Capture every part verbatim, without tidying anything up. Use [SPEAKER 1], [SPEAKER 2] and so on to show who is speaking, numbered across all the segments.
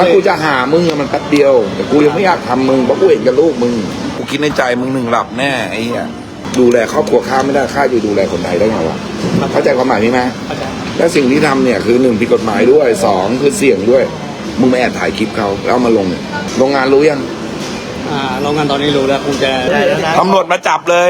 [SPEAKER 1] ถ้ากูจะหามึงอะมันแป๊บเดียวแต่กูยังไม่อยากทำมึงเพราะกูเห็นกับลูกมึงกูคิดในใจมึงหนึ่งหลับแน่ไอ้เหี้ยดูแลครอบครัวข้าไม่ได้ข้าจะดูแลคนไทยได้ไงวะเข้าใจความหมายนี้ไหมและสิ่งที่ทำเนี่ยคือหนึ่งผิดกฎหมายด้วยสองคือเสี่ยงด้วยมึงไม่แอบถ่ายคลิปเขาแล้วเอามาลงเนี่ยโรงงานรู้ยัง
[SPEAKER 2] อ่าโรงงานตอนนี้รู้แล้วคงจะได้แล้วนะ
[SPEAKER 1] ตำรวจมาจับเลย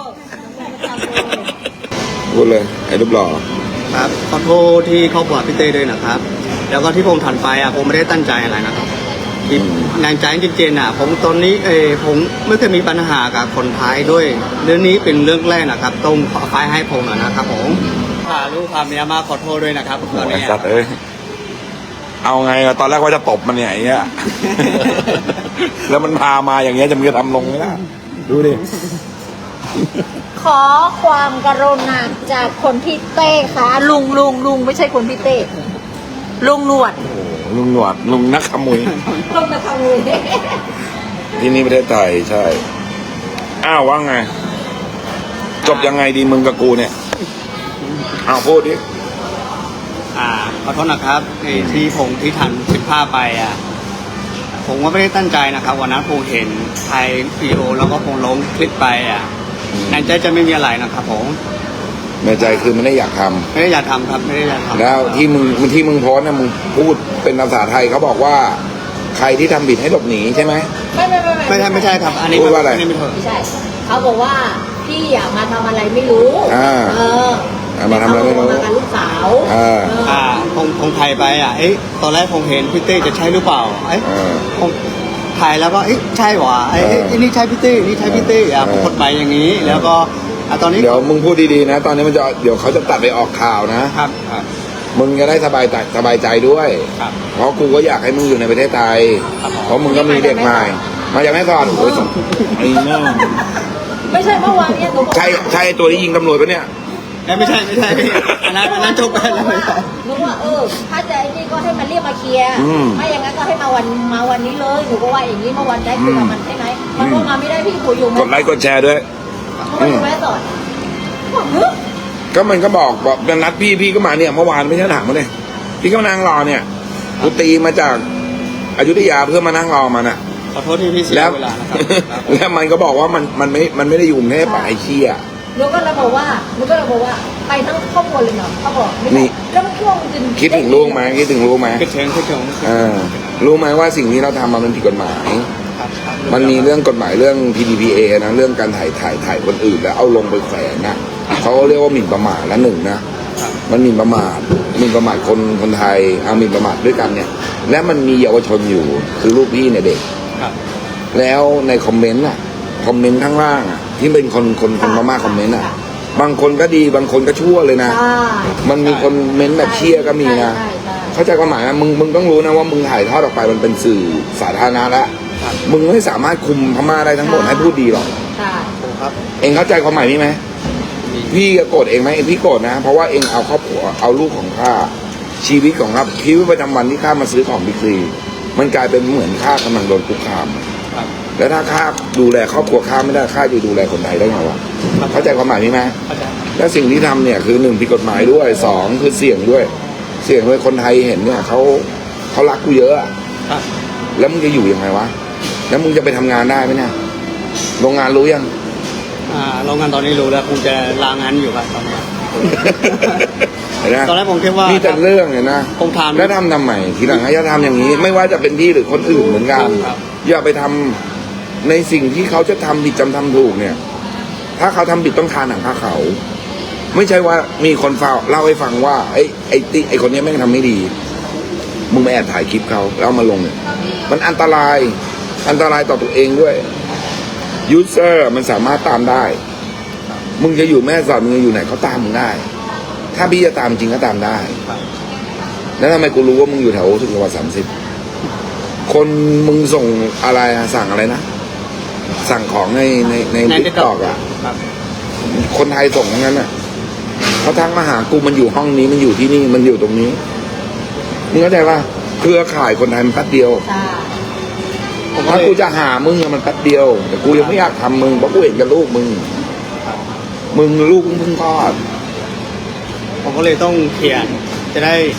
[SPEAKER 1] พูดเลยไอ้รูปหล่อ
[SPEAKER 2] ครับขอโทษที่ครอบครัวพี่เต้ด้วยนะครับ แล้วก็ที่ผมถันไปอ่ะผมไม่ได้ตั้งใจอะไรนะครับที่งานใจจริงๆอ่ะผมตอนนี้เออผมไม่เคยมีปัญหากับคนไทยด้วยเรื่องนี้เป็นเรื่องแรกนะครับต้องขอไฟให้ผมหน่อยนะครับผมพาลูกพาเมียมาขอโทษด้วยนะครับตอน
[SPEAKER 1] ไอ้
[SPEAKER 2] นี้
[SPEAKER 1] สัตว์เอ้ยเอาไงอะตอนแรกว่าจะตบมันเนี่ยไอ้เงี้ย แล้วมันพามาอย่างเงี้ยจะมึงจะทำลงไหมล่ะดูดิ
[SPEAKER 3] ขอความกรุณาจากคนที่เต้ค่ะลุงลุงลุงไม่ใช่คนที่เต้ลุงหนวด
[SPEAKER 1] โอ้โหลุงหนวดลุงนักขโมย
[SPEAKER 3] ลุงมาทำเลย
[SPEAKER 1] ที่นี่ประเทศไทยใช่อ้าวว่าไง จบยังไงดีมึงกับกูเนี่ยอ้าวพูดดิ
[SPEAKER 2] อ่าขอโทษนะครับไอ้ที่ผมที่ทันผิดพลาดไปอ่ะผมก็ไม่ได้ตั้งใจนะครับวันนั้นผมเห็นไทยวีดีโอแล้วก็ผมลงคลิปไปอ่ะในใจจะไม่มีอะไรนะครับผม
[SPEAKER 1] ในใจคือมันไม่ได้อยากทำ
[SPEAKER 2] ไม่ได้อยากทำครับไม่ได้อยากทำ
[SPEAKER 1] แล้วที่มึงที่มึงโพสต์นะมึงพูดเป็นภาษาไทยเขาบอกว่า ใครที่ทำผิดให้หลบหนีใช่ไหม
[SPEAKER 3] ไม่ไม่ไม่
[SPEAKER 2] ไม่ใช่ไม่ใช่ครับอันนี้
[SPEAKER 1] พูดว่าอะไร
[SPEAKER 2] นนี้ไม่ถูก
[SPEAKER 3] ไม่ใช่เขาบอกว่าพี่อยากมาทำอะไรไม่รู้
[SPEAKER 1] อ่า
[SPEAKER 3] เออ
[SPEAKER 1] เอามาทำอะไรไม่รู้
[SPEAKER 3] มากับลูกสาว
[SPEAKER 1] อ่า
[SPEAKER 3] เออ
[SPEAKER 2] อ่าผมผมถ่ายไปอ่ะเอ๊ะตอนแรกผมเห็นพี่เต้จะใช่หรือเปล่าเอ๊ะ
[SPEAKER 1] เออ
[SPEAKER 2] ผมถ่ายแล้วก็เอ๊ะใช่หวะเอ๊ะ
[SPEAKER 1] เออ
[SPEAKER 2] เอ๊ะนี่ใช่พี่เต้นี่ใช่พี่เต้อ่ะผมกดไปอย่างนี้ แล้วก็อ่ะตอนนี้
[SPEAKER 1] เดี๋ยวมึงพูดดีๆนะ ตอนนี้มันจะเดี๋ยวเขาจะตัดไปออกข่าวนะครับ
[SPEAKER 2] ครับ
[SPEAKER 1] มึงจะได้สบายใจสบายใจด้วย
[SPEAKER 2] ครับ
[SPEAKER 1] เพราะกูก็อยากให้มึงอยู่ในประเทศไทย
[SPEAKER 2] ครับ
[SPEAKER 1] เพราะมึงก็มีเด็กใหม่มาจากแม่สอดโอ้ยไอ้แม่ง
[SPEAKER 3] ไม่ใช่เมื่อวานเนี่ยหนูบอก
[SPEAKER 1] ใช่ใช่ตัวที่ยิงตำรวจปะเนี่ย
[SPEAKER 2] เอ๊ะไม่ใช่ไม่ใช่พี่อันนั้นอันนั้นจบไปแล้วไม่ใช่
[SPEAKER 3] หนูว่าเออถ้าจะไอ้นี่ก็ให้มันเรียกมาเคลียร์
[SPEAKER 1] อืม
[SPEAKER 3] ไม่อย่างนั้นก็ให้มาวันมาวันนี้เลยหนูก็ว่าอย่างนี้เมื่อวันได้คุยกับมันใช่ไหมมัน
[SPEAKER 1] อื
[SPEAKER 3] ก็
[SPEAKER 1] ม
[SPEAKER 3] มาไม่ได้พี่คุยอยู่ไหม
[SPEAKER 1] กดไลค์กดแชร์ด้วย
[SPEAKER 3] มันอยู่แม่สอดบอกเฮ้ย
[SPEAKER 1] ก็มันก็บอกบอกนัดพี่พี่ก็มาเนี่ยเมื่อวานไม่ใช่ถามมาเลยพี่ก็มานั่งรอเนี่ยกูตีมาจากอยุธยาเพื่อมานั่งรอมันอะ
[SPEAKER 2] ขอโทษที่พี่เสีย
[SPEAKER 1] แล้ว
[SPEAKER 2] เวลานะครับ
[SPEAKER 1] แล้วมันก็บอกว่ามันมันไม่มันไม่ได้อยู่กรุงเทพไปไอ้เชี่ย
[SPEAKER 3] หนูก็เลยบอกว่าหนูก็เลยบอกว่าไปทั้งครอบครัวเลยเนาะเขาบอกไม่
[SPEAKER 1] นี่
[SPEAKER 3] ใช่แล้วมันช่วงจน
[SPEAKER 1] คิดถึงลูกไหมคิดถึงลูกไหม
[SPEAKER 2] คิดถึงคิดถึง
[SPEAKER 1] เออรู้ไหมว่าสิ่งที่เราทำมันผิดกฎหมาย
[SPEAKER 2] ครับครับ
[SPEAKER 1] มันมีเรื่องกฎหมายเรื่อง พี ดี พี เอ นะเรื่องการถ่ายถ่ายถ่ายคนอื่นแล้วเอาลงไปแขวนนะเขาเรียกว่าหมิ่นประมาทละหนึ่งนะมันหมิ่นประมาทหมิ่นประมาทคนคนไทยเอาหมิ่นประมาทด้วยกันเนี่ย และมันมีเยาวชนอยู่คือลูกพี่เนี่ยเด็ก
[SPEAKER 2] ครับ
[SPEAKER 1] แล้วในคอมเมนต์อ่ะคอมเมนต์ข้างล่างอ่ะที่เป็นคนคนคนพม่าคอมเมนต์อ่ะบางคนก็ดีบางคนก็ชั่วเลยนะ
[SPEAKER 3] ใช่
[SPEAKER 1] มันมีคนเม้นต์แบบเชี่ยก็มีนะ
[SPEAKER 3] ใช่ใช่
[SPEAKER 1] เข้าใจความหมายนะมึงมึงต้องรู้นะว่ามึงถ่ายทอดออกไปมันเป็นสื่อสาธารณะแล้วมึงไม่สามารถคุมพม่าได้ทั้งหมดให้พูดดีหรอก
[SPEAKER 3] ใช่
[SPEAKER 2] ถูกครับ
[SPEAKER 1] เองเข้าใจความหมายนี้ไหมพี่ก็โกรธเองไหมเองพี่โกรธนะเพราะว่าเองเอาครอบครัวเอาลูกของข้าชีวิตของข้าชีวิตประจำวันที่ข้ามาซื้อของบิ๊กซีมันกลายเป็นเหมือนข้ากำลังโดนคุกคาม
[SPEAKER 2] ครับ
[SPEAKER 1] แล้วถ้าข้าดูแลครอบครัวข้าไม่ได้ข้าจะดูแลคนไทยได้ไงวะเข้าใจความหมายนี้ไหม
[SPEAKER 2] เข้าใจ
[SPEAKER 1] และสิ่งที่ทำเนี่ยคือหนึ่งผิดกฎหมายด้วยสองคือเสี่ยงด้วย เสี่ยงด้วยคนไทยเห็นเนี่ยเขาเขารักกูเยอะอะ
[SPEAKER 2] ครับ
[SPEAKER 1] แล้วมึงจะอยู่ยังไงวะแล้วมึงจะไปทำงานได้ไหมเนี่ยโรงงานรู้ยัง
[SPEAKER 2] อ่าโรงงานตอนนี้รู้แล้วคงจะลางานอยู่ครับตอนนี้
[SPEAKER 1] เห็นไหม
[SPEAKER 2] ตอนแรกผมคิดว่า
[SPEAKER 1] นี่แต่เรื่องเนี่ยนะ
[SPEAKER 2] ผมถาม
[SPEAKER 1] แล้วทำทำไมทีหลังอย่าทำอย่างนี้ ไม่ว่าจะเป็นพี่หรือคนอื่นเหมือนกัน
[SPEAKER 2] ครับ
[SPEAKER 1] อย่าไปทำในสิ่งที่เขาจะทำผิดจำทำถูกเนี่ย ถ้าเขาทำผิดต้องทานหนังผ้าเขา ไม่ใช่ว่ามีคนเฝ้าเล่าให้ฟังว่าไอ้ไอ้ติไอ้คนนี้แม่งทำไม่ดีมึงมาแอบถ่ายคลิปเขาแล้วเอามาลงเนี่ยมันอันตรายอันตรายต่อตัวเองด้วยยูเซอร์มันสามารถตามได้ มึงจะอยู่แม่สอดมึงจะอยู่ไหนเขาตามมึงได้ ถ้าพี่จะตามจริงก็ตามได้
[SPEAKER 2] ครับ
[SPEAKER 1] แล้วทำไมกูรู้ว่ามึงอยู่แถวสุขสวัสดิ์สามสิบคนมึงส่งอะไรอะสั่งอะไรนะ สั่งของในในใน
[SPEAKER 2] ใน
[SPEAKER 1] ติ๊กตอกอะ
[SPEAKER 2] ครับ
[SPEAKER 1] คนไทยส่งทั้งนั้นอะเขาทักมาหากูมันอยู่ห้องนี้มันอยู่ที่นี่มันอยู่ตรงนี้มึงเข้าใจป่ะเครือข่ายคนไทยมันแป๊บเดียว
[SPEAKER 3] ใช่
[SPEAKER 2] ผมก็
[SPEAKER 1] ถ้า
[SPEAKER 2] เลย
[SPEAKER 1] กูจะหามึงอะมันแป๊บเดียวแต่กูยังไม่อยากทำมึงเพราะกูเห็นกับลูกมึง
[SPEAKER 2] ครับ
[SPEAKER 1] มึงลูกมึงเพิ่งคลอด
[SPEAKER 2] ผมก็เลยต้องเขียนจะได้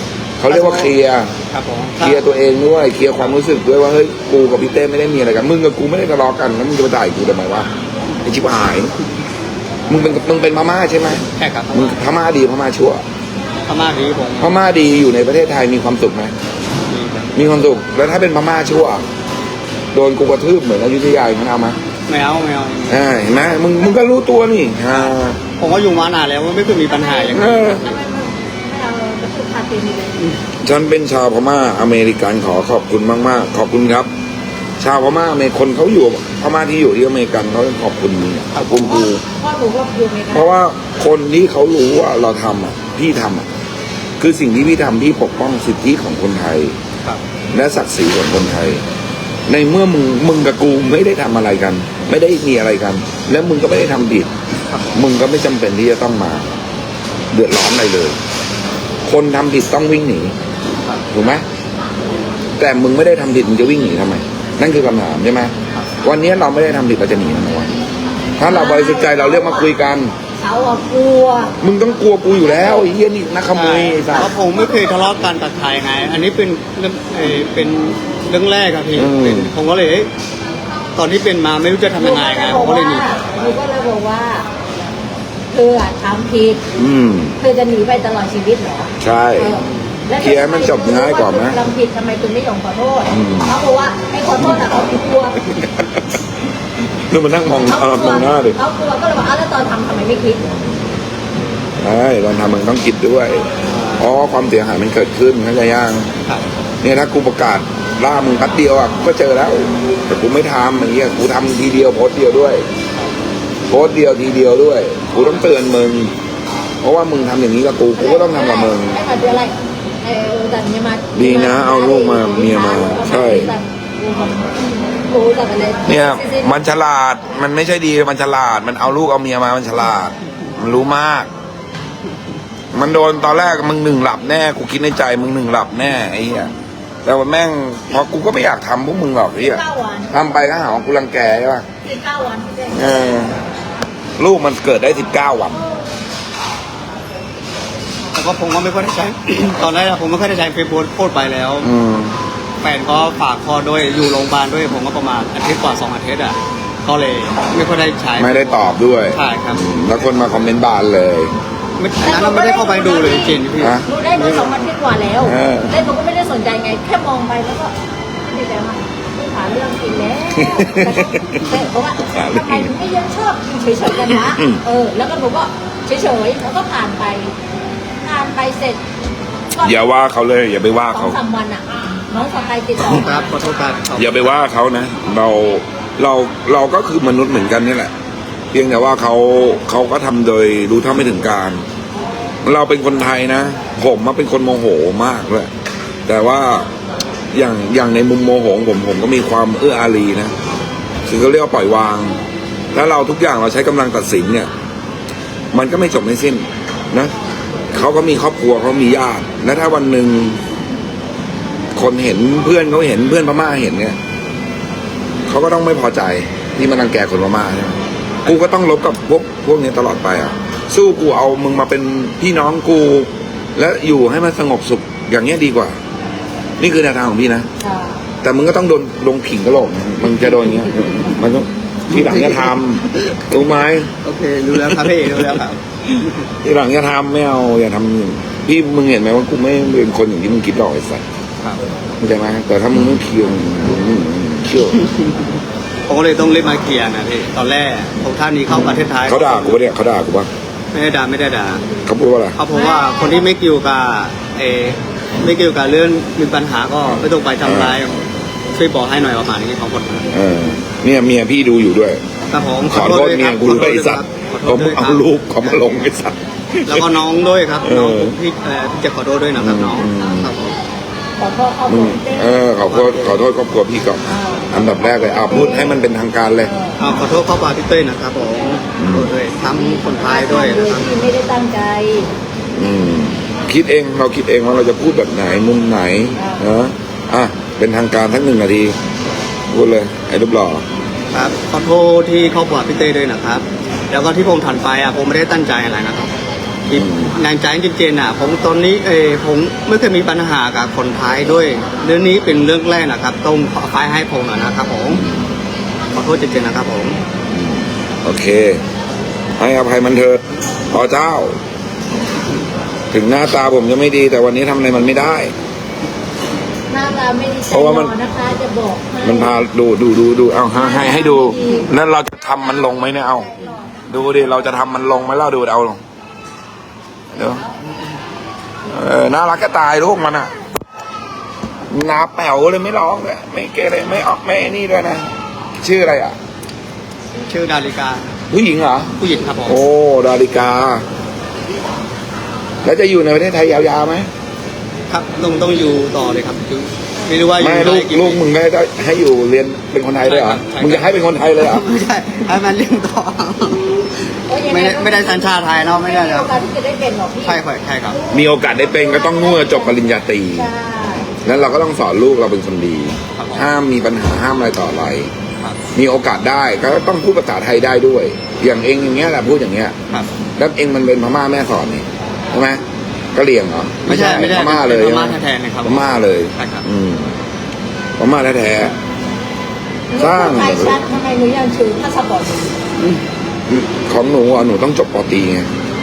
[SPEAKER 1] เขาเรียกว่าเคลียร์
[SPEAKER 2] ครับผม
[SPEAKER 1] เคลียร์ตัวเองด้วยเคลียร์ความรู้สึกด้วยว่าเฮ้ยกูกับพี่เต้ไม่ได้มีอะไรกันมึงกับกูไม่ได้ทะเลาะกันแล้วมึงจะมาด่ากูทำไมวะไอชิบหายมึงเป็นมึงเป็นพม่าใช่ไหม
[SPEAKER 2] ใช่ครับ
[SPEAKER 1] มึงพม่าดีพม่าชั่ว
[SPEAKER 2] พม่าดีผม
[SPEAKER 1] พม่าดีอยู่ในประเทศไทยมีความสุขไหม
[SPEAKER 2] ดีครับ
[SPEAKER 1] มีความสุขแล้วถ้าเป็นพม่าชั่วโดนกูกระทืบเหมือนอยุธยาอย่างนั้นเอาไหม
[SPEAKER 2] ไม่เอาไม่เอา
[SPEAKER 1] อ่าเห็นไหมมึงมึงก็รู้ตัวนี่อ่า
[SPEAKER 2] ผมก็อยู่มานานแล้วว่าไม่เคยมีปัญหาอย่าง
[SPEAKER 1] เอ
[SPEAKER 2] นี้
[SPEAKER 1] อ
[SPEAKER 3] ทำไมไม่ไม่เอากระสุนคาตีนี่เลย
[SPEAKER 1] ฉันเป็นชาวพม่าอเมริกันขอขอบคุณมากๆขอบคุณครับ ชาวพม่าอเมริคนเขาอยู่พม่าที่อยู่ที่อเมริกันเขาขอบคุณมึงอะขอบคุณกู
[SPEAKER 3] พ่อหนูก็อยู่อเมริกา
[SPEAKER 1] เพราะว่าคนที่เขารู้ว่าเราทำอ่ะพี่ทำอ่ะคือสิ่งที่พี่ทำพี่ปกป้องสิทธิของคนไทย
[SPEAKER 2] ครับ
[SPEAKER 1] และศักดิ์ศรีของคนไทย ในเมื่อมึงมึงกับกูไม่ได้ทำอะไรกัน ไม่ได้มีอะไรกัน แล้วมึงก็ไม่ได้ทำผิด
[SPEAKER 2] ครับ
[SPEAKER 1] มึงก็ไม่จำเป็นที่จะต้องมา เดือดร้อนอะไรเลย คนทำผิดต้องวิ่งหนี
[SPEAKER 2] ครับ
[SPEAKER 1] ถูกไหมแต่มึงไม่ได้ทำผิดมึงจะวิ่งหนีทำไม นั่นคือคำถามใช่ไหมวันนี้เราไม่ได้ทำผิดเราจะหนีทำไมวะถ้าเราบริสุทธิ์ใจเราเรียกมาคุยกัน
[SPEAKER 3] เขาอะกลัว
[SPEAKER 1] มึงต้องกลัวกูอยู่แล้วไอ้เหี้ยนี่นักขโมยไอ้สั
[SPEAKER 2] เพ
[SPEAKER 1] ส
[SPEAKER 2] ราะผมไม่เคยทะเลาะกันกับใครไง อันนี้เป็นเรื่องเอ่อเป็นเรื่องแรกครับพี่
[SPEAKER 1] อืม
[SPEAKER 2] เป็นผมก็เลยเอ๊ะตอนที่เป็นมาไม่รู้จะทำยังไงไงผมก็เลยหนี
[SPEAKER 3] หนูก็เลยบอกว่าเธออะทำผิด
[SPEAKER 1] อืม
[SPEAKER 3] เธอจะหนีไปตลอดชีวิตเหรอ
[SPEAKER 1] ใช่
[SPEAKER 3] เออแล้ว
[SPEAKER 1] เคลียร์ให้มันจบง่ายกว่าไหม
[SPEAKER 3] ทำผิดทำไมคุณไม่ยอมขอโทษ
[SPEAKER 1] อืม
[SPEAKER 3] เขาบอกว่าไอ้ขอโทษอะเขากลัว
[SPEAKER 1] ดูมันนั่งมอง
[SPEAKER 3] เขา
[SPEAKER 1] เออก
[SPEAKER 3] ลั
[SPEAKER 1] ม
[SPEAKER 3] ว
[SPEAKER 1] องหน้าดิ
[SPEAKER 3] เขากลัวก็เลยบอกอ้าวแล้วตอนทำทำไมไม่คิด
[SPEAKER 1] ใช่ตอนทำมึงต้องคิดด้วยเพราะว่าความเสียหายมันเกิดขึ้นเข้าใจยัง
[SPEAKER 2] ครับ
[SPEAKER 1] เนี่ยถ้ากูประกาศล่ามึงแป๊บเดียวอ่ะกูก็เจอแล้ว แต่กูไม่ทำอย่างเงี้ยกูทำทีเดียวโพสต์เดียวด้วย โพสต์เดียวทีเดียวด้วย กูต้องเตือนมึง เพราะว่ามึงทำอย่างนี้กับกู กูก็ต้องทำกับมึง
[SPEAKER 3] ไอ้มาเดือนอะไรไอ้แต่เมียมา
[SPEAKER 1] ดีนะเอาลูกมาเมียมาใช่
[SPEAKER 3] โอ้แต่อะไร
[SPEAKER 1] เนี่ยมันฉลาด มันไม่ใช่ดี มันฉลาด มันเอาลูกเอาเมียมา มันฉลาด มันรู้มาก มันโดนตอนแรกมึงหนึ่งหลับแน่ กูคิดในใจมึงหนึ่งหลับแน่ไอ้เหี้ย แต่ว่าแม่งพอกูก็ไม่อยากทำพวกมึงหรอกไอ้เหี้ย
[SPEAKER 3] เก้าวัน
[SPEAKER 1] ทำไปก็หาว่ากูรังแกใช่ป่ะ
[SPEAKER 3] สิบเก้าวันที่ได้
[SPEAKER 1] เออ ลูกมันเกิดได้สิบเก้าวัน
[SPEAKER 2] แต่ก็ผมก็ไม่ค่อยได้ใช้ ตอนแรกอะผมไม่ค่อยได้ใช้เฟซบุ๊กโพสต์ไปแล้ว
[SPEAKER 1] อืม
[SPEAKER 2] แฟนก็ฝากคอด้วยอยู่โรงพยาบาลด้วยผมก็ประมาณอาทิตย์กว่าสองอาทิตย์อ่ะก็เลยไม่ค่อยได้ใช้
[SPEAKER 1] ไม่ได้ตอบด้วย
[SPEAKER 2] ใช่ครับ
[SPEAKER 1] อืมแล้วคนมาคอมเมนต์บานเลย
[SPEAKER 2] ไม่อันนั้นเราไม่ได้เข้าไปดูเลยจริงๆพี่
[SPEAKER 1] ฮะ
[SPEAKER 3] รู้ได้มาสองวันที่กว่าแล้ว
[SPEAKER 1] เออ
[SPEAKER 3] แล้วหนูก็ไม่ได้สนใจไง แค่มองไปแล้วก็ไม่ได้แปลว่าไม่หาเรื่องกินแล้วแต่เพราะว่าทำไมถึงไม่ยังชอบเฉยๆกันวะเออ แล้วก็หนูก็เฉยๆแล้วก็ผ่านไปผ่านไปเสร็จก็
[SPEAKER 1] อย่าว่าเขาเลย อย่าไปว่า
[SPEAKER 3] สอ
[SPEAKER 1] เขา
[SPEAKER 3] งสามวันอ่ะ น้องสกายติดต่อ
[SPEAKER 2] ค
[SPEAKER 3] มา
[SPEAKER 2] รับขอโทษครับ
[SPEAKER 1] อย่าไปว่าเขานะ เราเราเราก็คือมนุษย์เหมือนกันนี่แหละ เพียงแต่ว่าเขาเขาก็ทำโดยรู้เท่าไม่ถึงการ เราเป็นคนไทยนะ ผมมาเป็นคนโมโหมากเลยแต่ว่าอย่างอย่างในมุมโมโหของผมผมก็มีความเอื้ออารีนะคือเขาเรียกว่าปล่อยวาง แล้วเราทุกอย่างเราใช้กำลังตัดสินเนี่ย มันก็ไม่จบไม่สิ้นนะเขาก็มีครอบครัวเขามีญาติและถ้าวันหนึ่งคนเห็นเพื่อนเขาเห็นเพื่อนพม่าเห็นเนี่ยเขาก็ต้องไม่พอใจที่มันรังแกคนพม่าใช่ไหมกูก็ต้องลบกับพวกพวกนี้ตลอดไปอ่ะ สู้กูเอามึงมาเป็นพี่น้องกู และอยู่ให้มันสงบสุขอย่างเงี้ยดีกว่า นี่คือแนวทางของพี่นะ
[SPEAKER 3] อ่า
[SPEAKER 1] แต่มึงก็ต้องโดนลงผิงกระโหลกนะมึงจะโดนอย่างเงี้ยมันต้องทีหลังจะทำรู้ไหม
[SPEAKER 2] โอเครู้แล้วครับพี่รู้แล้วครับ
[SPEAKER 1] ทีหลังอย่าทำไม่เอาอย่าทำพี่มึงเห็นไหมว่ากูไม่เป็นคนอย่างที่มึงคิดหรอกไอ้สัส
[SPEAKER 2] ครับ
[SPEAKER 1] เข้าใจไหมแต่ถ้ามึงไม่เคียวมึงเคียว
[SPEAKER 2] ผมก็เลยต้องรีบมาเคลียร์นะพี่ตอนแรกผมท่านนี้เข้าประเทศไทย
[SPEAKER 1] เขาด่ากูปะเนี่ยเขาด่ากูปะ
[SPEAKER 2] ไม่ได้ด่าไม่ได้ด่า
[SPEAKER 1] เขาพูดว่าอะไร
[SPEAKER 2] เขาบอกว่าคนที่ไม่เกี่ยวกับเออไม่เกี่ยวกับเรื่องมีปัญหาก็ไม่ต้องไปทำร้ายช่วยบอกให้หน่อยประมาณนี้ของคน
[SPEAKER 1] เออเนี่ยเมียพี่ดูอยู่ด้วย
[SPEAKER 2] ครับผม
[SPEAKER 1] ขอโทษเมียกูด้วยไอ้สัตว์
[SPEAKER 2] ขอโท
[SPEAKER 1] เขา
[SPEAKER 2] ษด้วยค
[SPEAKER 1] เอา
[SPEAKER 2] รับ
[SPEAKER 1] รูปเขามาลงไอ้สัตว์
[SPEAKER 2] แล้วก็น้องด้วยครับ
[SPEAKER 1] เออ
[SPEAKER 2] น้องผมพี่เอ่อพี่จะขอโทษด้วยนะครับน้อง
[SPEAKER 1] อืม
[SPEAKER 2] ครับผม
[SPEAKER 3] ขอโทษเขา
[SPEAKER 1] มึ
[SPEAKER 3] บ
[SPEAKER 1] ง
[SPEAKER 3] อกเต้
[SPEAKER 1] เออขอโทษขอโทษครอบครัวพี่ก่อนอันดับแรกเลยเอาพูดให้มันเป็นทางการเลย
[SPEAKER 2] เอาขอโทษข้อบาพี่เต้ยนะครับผมขอโทษด้วยทำคนไทยด้วย
[SPEAKER 3] โด
[SPEAKER 2] นะ
[SPEAKER 3] ย
[SPEAKER 2] ครับ
[SPEAKER 3] ที่ไม่ได้ตั้งใจ
[SPEAKER 1] อืมคิดเองเราคิดเองว่าเราจะพูดแบบไหนมุมไหนนะอ่ะเป็นทางการทั้งหนึ่งนาทีพูดเลยไอ้รูปหล่อ
[SPEAKER 2] ครับขอโทษที่ครอบครัวพี่เต้ยด้วยนะครับ แล้วก็ที่ผมถันไปอ่ะผมไม่ได้ตั้งใจอะไรนะครับที่แรงใจจริงๆอ่ะผมตอนนี้เออผมไม่เคยมีปัญหากับคนไทยด้วยเรื่องนี้เป็นเรื่องแรกนะครับต้องขอไฟให้ผมหน่อยนะครับผมขอโทษจริงๆนะครับผม
[SPEAKER 1] โอเค ให้อภัยมันเถอะพอเจ้า ถึงหน้าตาผมจะไม่ดี แต่วันนี้ทำอะไรมันไม่ได้
[SPEAKER 3] หน้าตาไม่ดี
[SPEAKER 1] เพราะว่ามัน
[SPEAKER 3] นะคะจะบอกให้
[SPEAKER 1] มันพาดูดูดูดูเอาให้ให้ให้ดูนั่นเราจะทำมันลงไหมเนี่ยเอา ดูดิเราจะทำมันลงไหมเล่าดูเอาลงเดี๋ยวเออน่ารักก็ตายลูกมันอ่ะนาแป๋วเลยไม่ร้องเลยไม่เกเรไม่ออกไม่นี่ด้วยนะชื่ออะไรอ่ะ
[SPEAKER 2] ชื่อดาริกา
[SPEAKER 1] ผู้หญิงเหรอ
[SPEAKER 2] ผู้หญิงครับผม
[SPEAKER 1] โอ้ดาริกา แล้วจะอยู่ในประเทศไทยยาวๆไหม
[SPEAKER 2] ครับต้องต้องอยู่ต่อเลยครับคือไม่รู้ว่าอยู่
[SPEAKER 1] ไม่
[SPEAKER 2] ได้
[SPEAKER 1] ลูก
[SPEAKER 2] กี่
[SPEAKER 1] ลูกมึงได้ให้อยู่เรียนเป็นคนไทยด้วยเหรอ
[SPEAKER 2] ใช่ครับ
[SPEAKER 1] มึงจะให้เป็นคนไทยเลยเหรอ
[SPEAKER 2] ไม่ใช่ให้มันเรียนต่อ
[SPEAKER 3] โอ้ยยังง
[SPEAKER 2] ไม่ได้ไม่ได้สัญชาติไทยเนาะไม่ได้
[SPEAKER 3] มี
[SPEAKER 2] ค
[SPEAKER 3] โอ
[SPEAKER 2] รับ
[SPEAKER 3] กาสที่จะได้เป็นหรอกพี่
[SPEAKER 2] ใช่ครับใช่ครับ
[SPEAKER 1] มีโอกาสได้เป็นก็ต้องนู่นจบปริญญาตรี
[SPEAKER 3] ใช่
[SPEAKER 1] แล้วเราก็ต้องสอนลูกเราเป็นคนดี
[SPEAKER 2] ครับผม
[SPEAKER 1] ห้ามมีปัญหาห้ามอะไรต่ออะไร
[SPEAKER 2] ครับ
[SPEAKER 1] มีโอกาสได้ก็ต้องพูดภาษาไทยได้ด้วย อย่างเองอย่างเงี้ยแหละพูดอย่างเงี้ย
[SPEAKER 2] ครับ
[SPEAKER 1] แล้วเองมันเป็นพม่าแม่สอนนี่ใช่ไหมกะเหรี่ยงเหรอ
[SPEAKER 2] ไม่ใช่ไม่ใช่
[SPEAKER 1] พม่าเลย
[SPEAKER 2] เป็นพม่า
[SPEAKER 1] ใช่ไห
[SPEAKER 2] แท้ๆเลยครับ
[SPEAKER 1] พม่าเลย
[SPEAKER 2] ใช่ครับ
[SPEAKER 1] อืมพม่าแท้ สร้าง
[SPEAKER 3] ไทยชัดทำไมหนูยังถือพาสปอร์ตอยู่
[SPEAKER 1] ๆของหนูอ่ะหนูต้องจบปอตรีไง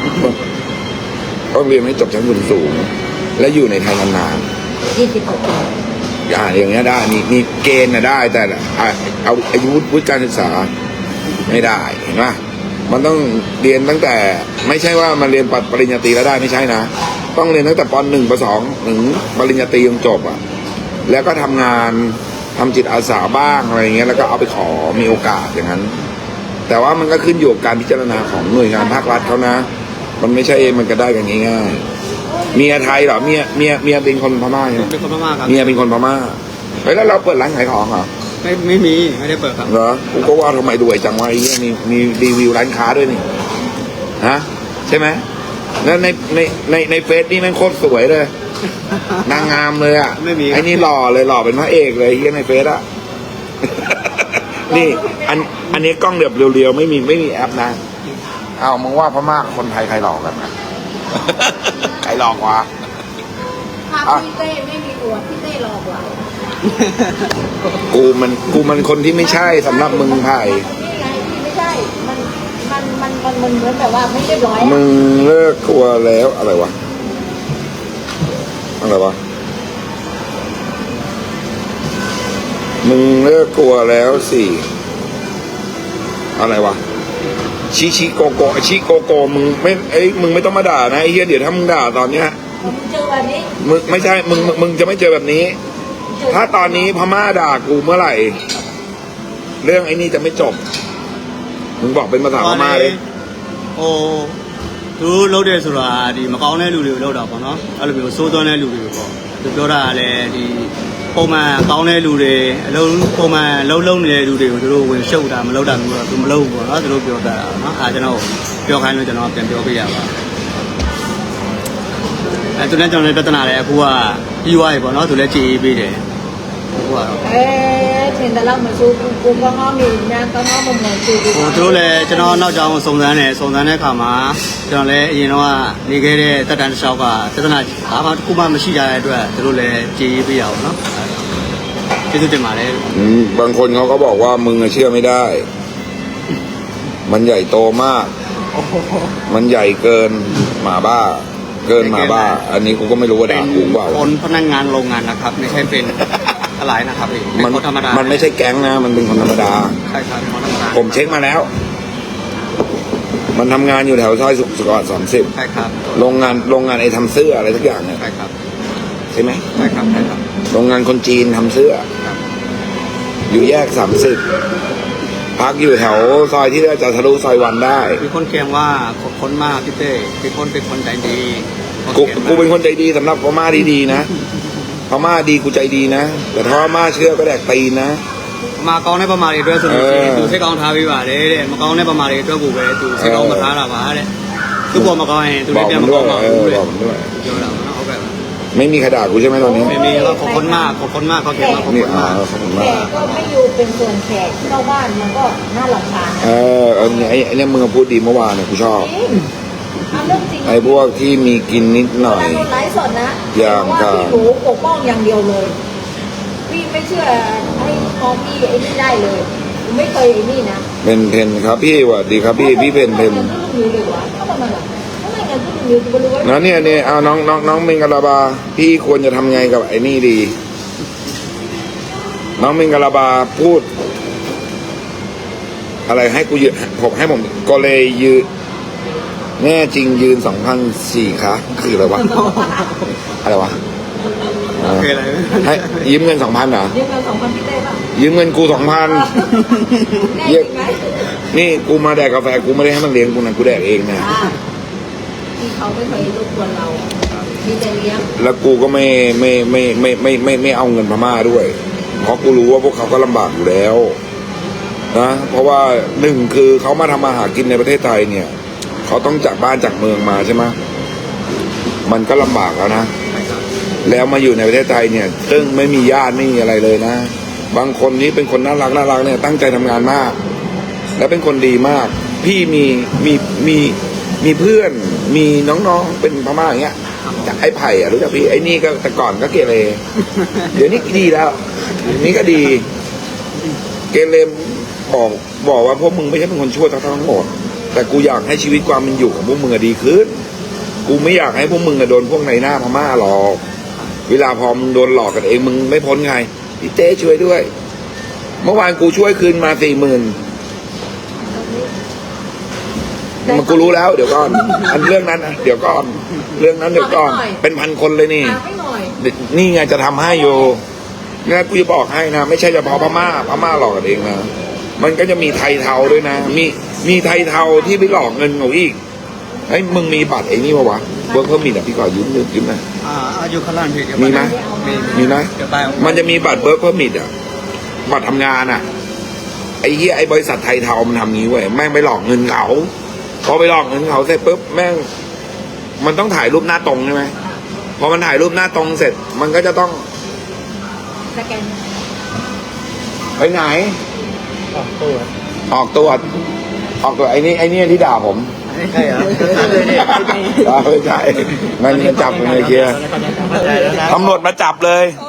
[SPEAKER 1] ต้องเรียนให้จบชั้นสูงๆและอยู่ในไทยนาน
[SPEAKER 3] ยี่สิบหกปี
[SPEAKER 1] ๆอ่าอย่างเงี้ยได้มีมีเกณฑ์นะได้ แต่อ่ะเอาอายุวุฒิการศึกษาไม่ได้เห็นไหมมันต้องเรียนตั้งแต่ ไม่ใช่ว่ามันเรียนปริญญาตรีแล้วได้ไม่ใช่นะต้องเรียนตั้งแต่ปหนึ่งปสองถึงปริญญาตรีจนจบอ่ะแล้วก็ทำงานทำจิตอาสาบ้างอะไรอย่างเงี้ยแล้วก็เอาไปขอมีโอกาสอย่างนั้น แต่ว่ามันก็ขึ้นอยู่กับการพิจารณาของหน่วยงานภาครัฐเขานะ มันไม่ใช่มันก็ได้กันง่ายๆเมียไทยเหรอเมียเมียเมียเป็นคนพม่าใช่ไหม
[SPEAKER 2] เป็นคนพม่าครับ
[SPEAKER 1] เมียเป็นคนพม่าเฮ้ยแล้วเราเปิดร้านขายของเหรอ
[SPEAKER 2] ไม่ไม่มีไม่ได้เปิดครับ
[SPEAKER 1] เหรอกูก็ว่าทำไมรวยจังวะไอ้เหี้ยมีมีรีวิวร้านค้าด้วยนี่ฮะใช่ไหมแล้วในในในในเฟซนี่แม่งโคตรสวยเลย นางงามเลยอ่ะ
[SPEAKER 2] ไม่มี
[SPEAKER 1] ไอ้นี่หล่อเลยหล่อเป็นพระเอกเลยไอ้เฮียในเฟซอ่ะ นี่อันอันนี้กล้องเดือบเรียวๆไม่มีไม่มีแอปนะเอามึงว่าพม่ากับคนไทยใครหลอกกันนะ ใครหลอกวะ
[SPEAKER 3] ถ้าพี่เต้ไม่มีอวดพี่เต้หลอกเรา
[SPEAKER 1] กูมันกูมันคนที่ไม่ใช่สำหรับมึงไผ่
[SPEAKER 3] นี่ไงพี่ไม่ใช่ มันมันมันมันมันเหมือนแบบว่าไม่เรียบร้อยอะ
[SPEAKER 1] มึงเลิกกลัวแล้วอะไรวะอะไรวะมึงเลิกกลัวแล้วสิอะไรวะชิชิโกโกชิโกโกมึงไม่เอ้ยมึงไม่ต้องมาด่านะไอ้เหี้ยเดี๋ยวถ้ามึงด่าตอนเนี้ย
[SPEAKER 3] ผมเจอแบบนี้
[SPEAKER 1] มึงไม่ใช่มึงมึงมึงจะไม่เจอแบบนี้
[SPEAKER 3] เจอ
[SPEAKER 1] ถ้าตอนนี้พม่าด่ากูเมื่อไหร่ เรื่องไอ้นี่จะไม่จบ มึงบอกเป็นภาษาพม่าเลย
[SPEAKER 2] ဟိုသူတို့လုပ်တယ်ဆိုတာဒီမကောင်းတဲ့လူတွေကိုလုပ်တာပေါ့နော်အဲ့လိုမျိုးစိုးသွမ်းတဲ့လူတွေကိုပေါ့သူပြောတာကလည်းဒီပုံမှန်ကောင်းတဲ့လူတွေအလုံးပုံမှန်လုံးလုံးနေတဲ့လူတွေကိုသူတို့ဝင်ရှုပ်တာမလုပ်တာမျိုးတော့သူမလုပ်ဘူးပေါ့နော်သူတို့ပြောတာနော်အားကျွန်တော်ပြောခိုင်းလို့ကျွန်တော်ပြန်ပြောပြရပါအဲသူနဲ့ကျွန်တော်လည်းပြဿနာလည်းအခုကပြီးသွားပြီပေါ့နော်သူလည်းကြည်ပေးတယ်အခုကတော့
[SPEAKER 3] အဲထင်တယ်လို့မဆိုဘူးကိုကောင်းကောင်းနေညာကောင်းကောင်းမမဆိုဘူး
[SPEAKER 2] ဟိုသူတို့လည်းကျွန်တော်နောက်ကြောင်စုံစမ်းတယ်စုံစမ်းတဲ့အခါမှာကျွန်တော်လည်းအရင်တော့ကနေခဲ့တဲ့တက်တန်းတစ်လျှောက်ကသဒ္ဒနာဘာမှတစ်ခုမှမရှိကြတဲ့အတွက်သူတို့လည်းကြည်ပေးရအောင်နော်ကျေးဇူးတင်ပါတယ်
[SPEAKER 1] อืมบางคนเขาก็บอกว่ามึงอะเชื่อไม่ได้ มันใหญ่โตมาก มันใหญ่เกินหมาบ้า เกินหมาบ้า อันนี้กูก็ไม่รู้ว่า
[SPEAKER 2] เป็
[SPEAKER 1] ด่าน กูเปล่า
[SPEAKER 2] คนพนักงานโรงงานนะครับ ไม่ใช่เป็นอะไรนะครับพี่เป็
[SPEAKER 1] มัน
[SPEAKER 2] นคนธรรมดา
[SPEAKER 1] มันไม่ใช่แก๊งนะ มันเป็นคนธรรมดา
[SPEAKER 2] ใช่ครับเป็นคนธรรมดา
[SPEAKER 1] ผมเช็คมาแล้ว มันทำงานอยู่แถวซอยสุขสวัสดิ์สามสิบ
[SPEAKER 2] ใช่ครับ
[SPEAKER 1] โรงงานโรงงานไอ้ทำเสื้ออะไรทุกอย่างเนี่ย
[SPEAKER 2] ใช่ครับ
[SPEAKER 1] ใช่ไหม
[SPEAKER 2] ใช่ครับใช่ครับ
[SPEAKER 1] โรงงานคนจีนทำเสื้อ
[SPEAKER 2] ครับ
[SPEAKER 1] อยู่แยกสามสิบพักอยู่แถวซอยที่จะทะลุซอยวันได้
[SPEAKER 2] มีคนเคียงว่าขอบคุณมากพี่เต้พี่คนเป็นคนใจดี
[SPEAKER 1] กู
[SPEAKER 2] ขีย
[SPEAKER 1] กูเป็นคนใจดีสำหรับพม่าดีๆนะพม่าดีกูใจดีนะแต่ถ้าพม่าเชื่อก็แดกตีนนะ
[SPEAKER 2] มาကောင်းတဲ့ပမာတွေအတွက်ဆိုလို့ရှိရင်
[SPEAKER 1] အဲ
[SPEAKER 2] သူစိတ်ကောင်းထားပေးပါတယ်တဲ့မကောင်းတဲ့ပမာတွေအတွက်ကိုပဲသူစိတ်ကောင်းမထားတာပါတဲ့သူ့ပေါ်မကောင်းရင်သူ
[SPEAKER 1] บ
[SPEAKER 2] လ
[SPEAKER 1] อก
[SPEAKER 2] ည်းပြန်
[SPEAKER 1] มั
[SPEAKER 2] မ
[SPEAKER 1] นด้ว
[SPEAKER 2] ကော
[SPEAKER 1] ย
[SPEAKER 2] င်းပါ
[SPEAKER 1] เอ
[SPEAKER 2] ဘူး
[SPEAKER 1] อ
[SPEAKER 2] တဲ့
[SPEAKER 1] บอกมันด้วย
[SPEAKER 2] ပြောတာပါနော်ဟုတ်ကဲ့ပါ
[SPEAKER 1] ไม่มีใครด่ากูใช่ไหมตอนนี้
[SPEAKER 2] ไม่มีก็ขอบคุณมากขอบคุณมากเขาเขียนมาขอบ
[SPEAKER 1] นี่
[SPEAKER 2] คุณ
[SPEAKER 1] อ่าม
[SPEAKER 2] าก
[SPEAKER 1] ขอบคุณ
[SPEAKER 3] แข
[SPEAKER 1] มาก
[SPEAKER 3] กก็ไม่อยู่เป็นส่วนแขกเข้าบ้านมันก็น่ารำคาญ
[SPEAKER 1] เออเออเนี่ยไอ้ไอ้เนี่ยมึงพูดดีเมื่อวานเนี่ยกูชอบ
[SPEAKER 3] จริงทำเรื่องจริง
[SPEAKER 1] ไอ้พวกที่มีกินนิดหน่อย
[SPEAKER 3] เวลาดูไลฟ์สดนะ
[SPEAKER 1] อย่าง
[SPEAKER 3] เพราะว่าพี่หนูปกป้องอย่างเดียวเลย พี่ไม่เชื่อให้มองพี่ไอ้นี่ได้เลยหนูไม่เคยไอ้นี่นะ
[SPEAKER 1] เป็นเพนครับพี่สวัสดีครับพี่พี่เป็นเพน
[SPEAKER 3] ทำไมเงินก็ลุงนิวเลยวะเข้ามาหรอทำไมเงินก็ลุงนิวจะไปรู้ว่า
[SPEAKER 1] นะเนี่ยเนี่ยเอาน้องน้องน้องเมงกะลาบา พี่ควรจะทำไงกับไอ้นี่ดี น้องเมงกะลาบาพูด อะไรให้กูยืนผมให้ผมก็เลยยืนแน่จริงยืนสองพันสี่คะคืออะไรวะ อะไรวะเออ
[SPEAKER 2] คืออะไร
[SPEAKER 1] ให้ยืมเงินสองพันเหรอ
[SPEAKER 3] ยืมเงินสองพันพี่เต้ป่ะ
[SPEAKER 1] ยืมเงินกูสองพัน
[SPEAKER 3] แน่จริงไหม
[SPEAKER 1] นี่กูมาแดกกาแฟกูไม่ได้ให้มันเลี้ยงกูนะกูแดกเองนะ
[SPEAKER 3] อ่าที่เขาไม่เคยรบกวนเรามีแต่เลี้ยง
[SPEAKER 1] แล้วกูก็ไม่ไม่ไม่ไม่ไม่ไม่ไม่เอาเงินพม่าด้วย เพราะกูรู้ว่าพวกเขาก็ลำบากอยู่แล้วนะเพราะว่าหนึ่งคือเขามาทำมาหากินในประเทศไทยเนี่ยเขาต้องจากบ้านจากเมืองมาใช่ไหมมันก็ลำบากแล้วนะ แล้วมาอยู่ในประเทศไทยเนี่ยซึ่งไม่มีญาติไม่มีอะไรเลยนะ บางคนนี้เป็นคนน่ารักน่ารักเนี่ยตั้งใจทำงานมาก และเป็นคนดีมาก พี่มีมีมีมีเพื่อนมีน้องๆเป็นพม่าอย่างเงี้ยจากไอ้ไผ่อะรู้จักพี่ไอ้นี่ก็แต่ก่อนก็เกเรเดี๋ยวนี้ดีแล้วเดี๋ยวนี้ก็ดี เกเรบอกบอกว่าพวกมึงไม่ใช่เป็นคนชั่วทั้งหมด แต่กูอยากให้ชีวิตความเป็นอยู่ของพวกมึงอะดีขึ้น กูไม่อยากให้พวกมึงอะโดนพวกในหน้าพม่าหรอกเวลาพอมึงโดนหลอกกันเองมึงไม่พ้นไงพี่เต้ช่วยด้วย เมื่อวานกูช่วยคืนมาสี่หมื่นมันกูรู้แล้ว เดี๋ยวก่อนอันเรื่องนั้นนะเดี๋ยวก่อนเรื่องนั้นเดี๋ยวก่อนเป็นพันคนเลยนี่
[SPEAKER 3] ตามไม่หน่อย
[SPEAKER 1] นี่ไงจะทำให้อยู่นี่กูจะบอกให้นะไม่ใช่เฉพาะพม่าพม่าหลอกกันเองนะมันก็จะมีไทยเทาด้วยนะ มีมีไทยเทาที่ไปหลอกเงินเขาอีกเฮ้ยมึงมีบัตรไอ้นี่ปะวะเวิร์กเพิ่มมีอ่ะพี่ก่อยืมยืมยืมหน่อย
[SPEAKER 2] อ่าอายุขลานพี่เดี๋ยว
[SPEAKER 1] มีไหม
[SPEAKER 2] มี
[SPEAKER 1] มีไหม
[SPEAKER 2] เดี๋ยวไป
[SPEAKER 1] มันจะมีบัตรเบิร์กเพิ่มมิดอ่ะบัตรทำงานอ่ะไอ้เหี้ยไอ้บริษัทไทยเทามันทำงี้เว้ยแม่งไปหลอกเงินเขาพอไปหลอกเงินเขาเสร็จปุ๊บแม่งมันต้องถ่ายรูปหน้าตรงใช่ไหมพอมันถ่ายรูปหน้าตรงเสร็จ มันก็จะต้อง
[SPEAKER 3] สแกน
[SPEAKER 1] ไปไหน ออกตัวออกตัวออกตัวไอ้นี่ไอ้นี่ที่ด่าผม
[SPEAKER 2] ใช่เหรอ
[SPEAKER 1] อ่าไม่ใช่มันมันจับผมเลยเกียร์
[SPEAKER 2] ใช่แล้วนะ
[SPEAKER 1] ตำรวจมาจับเลย
[SPEAKER 3] เอ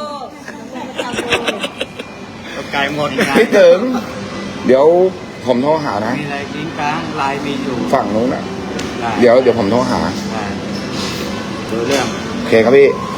[SPEAKER 3] อ
[SPEAKER 2] ไกลหมดนะ
[SPEAKER 1] พี่ถึง เดี๋ยวผมโทรหานะ
[SPEAKER 2] มีอะไรลิงก์กลางไลน์มีอยู่
[SPEAKER 1] ฝั่งนู้นอ่ะ
[SPEAKER 2] ได้
[SPEAKER 1] เดี๋ยวเดี๋ยวผมโทรหา
[SPEAKER 2] ได้ดูเรื่อง
[SPEAKER 1] โอเคครับพี่
[SPEAKER 3] เ